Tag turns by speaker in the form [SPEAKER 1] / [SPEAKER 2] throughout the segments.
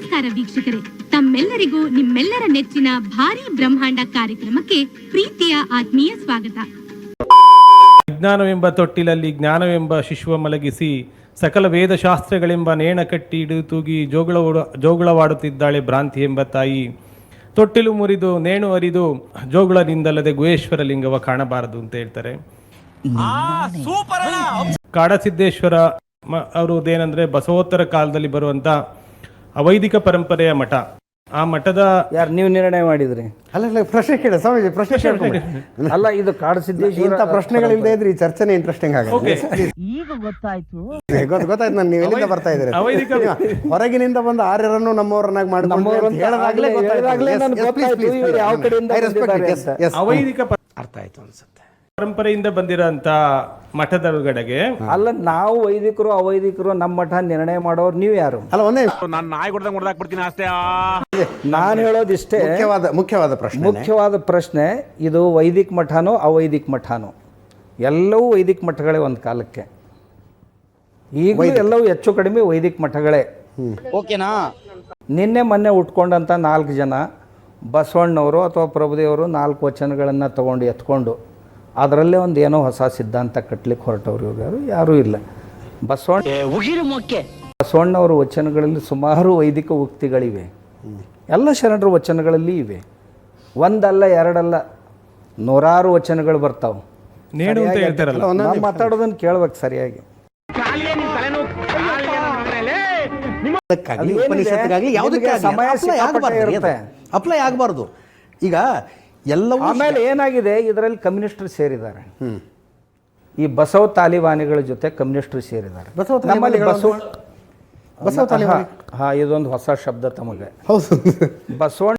[SPEAKER 1] ನಮಸ್ಕಾರ ವೀಕ್ಷಕರೇ, ತಮ್ಮೆಲ್ಲರಿಗೂ ನಿಮ್ಮೆಲ್ಲರ ನೆಚ್ಚಿನ ಭಾರಿ ಬ್ರಹ್ಮಾಂಡ ಕಾರ್ಯಕ್ರಮಕ್ಕೆ ಪ್ರೀತಿಯ ಆತ್ಮೀಯ ಸ್ವಾಗತ.
[SPEAKER 2] ವಿಜ್ಞಾನವೆಂಬ ತೊಟ್ಟಿಲಲ್ಲಿ ಜ್ಞಾನವೆಂಬ ಶಿಶುವ ಮಲಗಿಸಿ ಸಕಲ ವೇದಶಾಸ್ತ್ರಗಳೆಂಬ ನೇಣ ಕಟ್ಟಿ ಹಿಡಿದು ತೂಗಿ ಜೋಗುಳವಾಡುತ್ತಿದ್ದಾಳೆ ಭ್ರಾಂತಿ ಎಂಬ ತಾಯಿ. ತೊಟ್ಟಿಲು ಮುರಿದು ನೇಣು ಅರಿದು ಜೋಗುಳದಿಂದಲ್ಲದೆ ಗುಹೇಶ್ವರ ಲಿಂಗವ ಕಾಣಬಾರದು ಅಂತ ಹೇಳ್ತಾರೆ. ಕಾಡಸಿದ್ದೇಶ್ವರ ಅವರದೇನೆಂದ್ರೆ ಬಸವೋತ್ತರ ಕಾಲದಲ್ಲಿ ಬರುವಂತ ಅವೈದಿಕ ಪರಂಪರೆಯ ಮಠ. ಆ ಮಠದ
[SPEAKER 3] ಯಾರು ನೀವು ನಿರ್ಣಯ ಮಾಡಿದ್ರಿ?
[SPEAKER 4] ಅಲ್ಲ ಪ್ರಶ್ನೆ ಕೇಳ ಸ್ವಾಮೀಜಿ, ಪ್ರಶ್ನೆ
[SPEAKER 3] ಅಲ್ಲ, ಇದು ಕಾಡಸಿದ್ದೇಶ್ವರ
[SPEAKER 4] ಇಂಥ ಪ್ರಶ್ನೆಗಳಿಲ್ಲದೆ ಇದ್ರೆ ಈ ಚರ್ಚೆನೇ ಇಂಟ್ರೆಸ್ಟಿಂಗ್ ಆಗುತ್ತೆ.
[SPEAKER 5] ಈಗ ಗೊತ್ತಾಯ್ತು
[SPEAKER 4] ಗೊತ್ತಾಯ್ತು. ನಾನು ನೀವು ಎಲ್ಲಿಂದ ಬರ್ತಾ ಇದ್ದೀರಿ?
[SPEAKER 2] ಅವೈದಿಕ
[SPEAKER 4] ಹೊರಗಿನಿಂದ ಬಂದ ಆರ್ಯರನ್ನು ನಮ್ಮವರನ್ನಾಗಿ
[SPEAKER 2] ಅವೈದಿಕ
[SPEAKER 4] ಅರ್ಥ ಆಯ್ತು ಅನ್ಸುತ್ತೆ.
[SPEAKER 2] ಪರಂಪರೆಯಿಂದ ಬಂದಿರೋಂತ ಮಠದೊಳಗಡೆಗೆ
[SPEAKER 3] ಅಲ್ಲ, ನಾವು ವೈದಿಕರು ಅವೈದಿಕರು ನಮ್ಮ ಮಠ ನಿರ್ಣಯ ಮಾಡೋರು ನೀವು ಯಾರು?
[SPEAKER 4] ಅಲ್ಲ, ಒಂದೇ
[SPEAKER 3] ನಾನು ಹೇಳೋದಿಷ್ಟೇ, ಮುಖ್ಯವಾದ ಪ್ರಶ್ನೆ ಇದು ವೈದಿಕ ಮಠನೋ ಅವೈದಿಕ ಮಠನೋ? ಎಲ್ಲವೂ ವೈದಿಕ ಮಠಗಳೇ ಒಂದು ಕಾಲಕ್ಕೆ. ಈಗ ಎಲ್ಲವೂ ಹೆಚ್ಚು ಕಡಿಮೆ ವೈದಿಕ ಮಠಗಳೇ.
[SPEAKER 5] ಓಕೆನಾ?
[SPEAKER 3] ನಿನ್ನೆ ಮೊನ್ನೆ ಉಟ್ಕೊಂಡಂಥ 4 ಜನ ಬಸವಣ್ಣವರು ಅಥವಾ ಪ್ರಭುದೇವರು 4 ವಚನಗಳನ್ನು ತಗೊಂಡು ಎತ್ಕೊಂಡು ಅದರಲ್ಲೇ ಒಂದು ಏನೋ ಹೊಸ ಸಿದ್ಧಾಂತ ಕಟ್ಟಲಿಕ್ಕೆ ಹೊರಟವ್ರು ಇವರು ಯಾರೂ ಇಲ್ಲ. ಬಸವಣ್ಣವರ ವಚನಗಳಲ್ಲಿ ಸುಮಾರು ವೈದಿಕ ಉಕ್ತಿಗಳಿವೆ. ಎಲ್ಲ ಶರಣರ ವಚನಗಳಲ್ಲಿ ಇವೆ. ಒಂದಲ್ಲ ಎರಡಲ್ಲ, 100 ವಚನಗಳು ಬರ್ತಾವೆ. ನಾನು ಮಾತಾಡೋದನ್ನು ಕೇಳ್ಬೇಕು ಸರಿಯಾಗಿ. ಸಮಯ ಇರುತ್ತೆ,
[SPEAKER 4] ಅಪ್ಲೈ ಆಗಬಾರ್ದು. ಈಗ ಎಲ್ಲವೂ
[SPEAKER 3] ಆಮೇಲೆ ಏನಾಗಿದೆ, ಇದರಲ್ಲಿ ಕಮ್ಯುನಿಸ್ಟರು ಸೇರಿದ್ದಾರೆ. ಈ ಬಸವ ತಾಲಿಬಾನಿಗಳ ಜೊತೆ ಕಮ್ಯುನಿಸ್ಟರು ಸೇರಿದ್ದಾರೆ. ನಮ್ಮಲ್ಲಿ ಬಸವ ತಾಲಿಬಾನಿ, ಹಾ, ಇದೊಂದು ಹೊಸ ಶಬ್ದ ತಮಗೆ. ಬಸವಣ್ಣ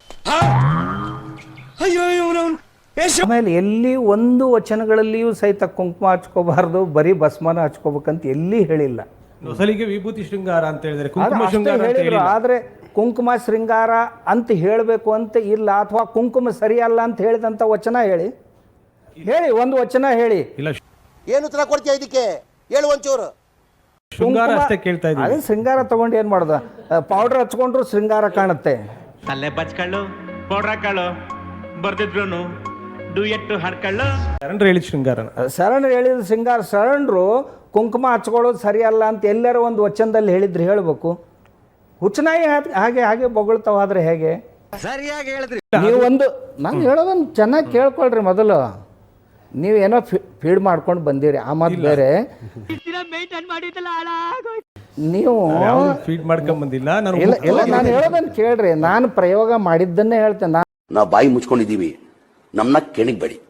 [SPEAKER 3] ಆಮೇಲೆ ಎಲ್ಲಿ ಒಂದು ವಚನಗಳಲ್ಲಿಯೂ ಸಹಿತ ಕುಂಕುಮ ಹಚ್ಕೋಬಾರ್ದು, ಬರೀ ಭಸ್ಮನ ಹಚ್ಕೋಬೇಕಂತ ಎಲ್ಲಿ ಹೇಳಿಲ್ಲ.
[SPEAKER 2] ಮೊಸಲಿಗೆ ವಿಭೂತಿ ಶೃಂಗಾರ ಅಂತ ಹೇಳಿದ್ರೆ ಕುಂಕುಮ ಶೃಂಗಾರ ಅಂತ ಹೇಳಿಲ್ಲ.
[SPEAKER 3] ಆದ್ರೆ ಕುಂಕುಮ ಶೃಂಗಾರ ಅಂತ ಹೇಳಬೇಕು ಅಂತ ಇಲ್ಲ, ಅಥವಾ ಕುಂಕುಮ ಸರಿಯಲ್ಲ ಅಂತ ಹೇಳಿದಂಥ ವಚನ ಹೇಳಿ ಒಂದು ವಚನ ಹೇಳಿ.
[SPEAKER 2] ಇಲ್ಲ,
[SPEAKER 6] ಏನು ಉತ್ತರ ಕೊಡ್ತೀಯ ಇದಕ್ಕೆ? ಹೇಳು ಒಂಚೂರು.
[SPEAKER 2] ಶೃಂಗಾರ ಅಷ್ಟೇ ಕೇಳ್ತಾ ಇದ್ದೀವಿ.
[SPEAKER 3] ಅದೇ ಶೃಂಗಾರ ತಗೊಂಡು ಏನು ಮಾಡೋದು? ಪೌಡರ್ ಹಚ್ಕೊಂಡ್ರು ಶೃಂಗಾರ ಕಾಣುತ್ತೆ.
[SPEAKER 7] ತಲೆ ಬಚ್ಕೊಳ್ಳು, ಪೌಡರ್ ಹಾಕೊಳ್ಳು, ಬರ್ದಿದ್ರು ಡುಯೆಟ್ಟು ಹಾಡ್ಕೊಳ್ಳು.
[SPEAKER 2] ಶರಣರು ಹೇಳಿದ ಶೃಂಗಾರ,
[SPEAKER 3] ಶರಣರು ಹೇಳಿದ ಶೃಂಗಾರ. ಶರಣರು ಕುಂಕುಮ ಹಚ್ಕೊಳ್ಳೋದು ಸರಿಯಲ್ಲ ಅಂತ ಎಲ್ಲರ ಒಂದು ವಚನದಲ್ಲಿ ಹೇಳಿದ್ರು ಹೇಳಬೇಕು. ಹುಚ್ಚನಾಯಿ ಹಾಗೆ ಹಾಗೆ ಬೊಗಳ್ತಾವಾದ್ರೆ ಹೇಗೆ?
[SPEAKER 6] ಸರಿಯಾಗಿ ಹೇಳಿದ್ರಿ
[SPEAKER 3] ನೀವು. ನಾನು ಹೇಳೋದನ್ನು ಚೆನ್ನಾಗಿ ಕೇಳ್ಕೊಳ್ರಿ ಮೊದಲು. ನೀವೇನೋ ಫೀಡ್ ಮಾಡ್ಕೊಂಡು ಬಂದಿರಿ, ಆ ಮಾತು ಬೇರೆ. ನೀವು
[SPEAKER 2] ಫೀಡ್ ಮಾಡ್ಕೊಂಡ್ ಬಂದಿಲ್ಲ.
[SPEAKER 3] ನಾನು ಹೇಳೋದನ್ನು ಕೇಳ್ರಿ. ನಾನು ಪ್ರಯೋಗ ಮಾಡಿದ್ದನ್ನೇ ಹೇಳ್ತೇನೆ.
[SPEAKER 8] ನಾವು ಬಾಯಿ ಮುಚ್ಕೊಂಡಿದ್ದೀವಿ, ನಮ್ಮನ್ನ ಕೆಣಗಬೇಡಿ.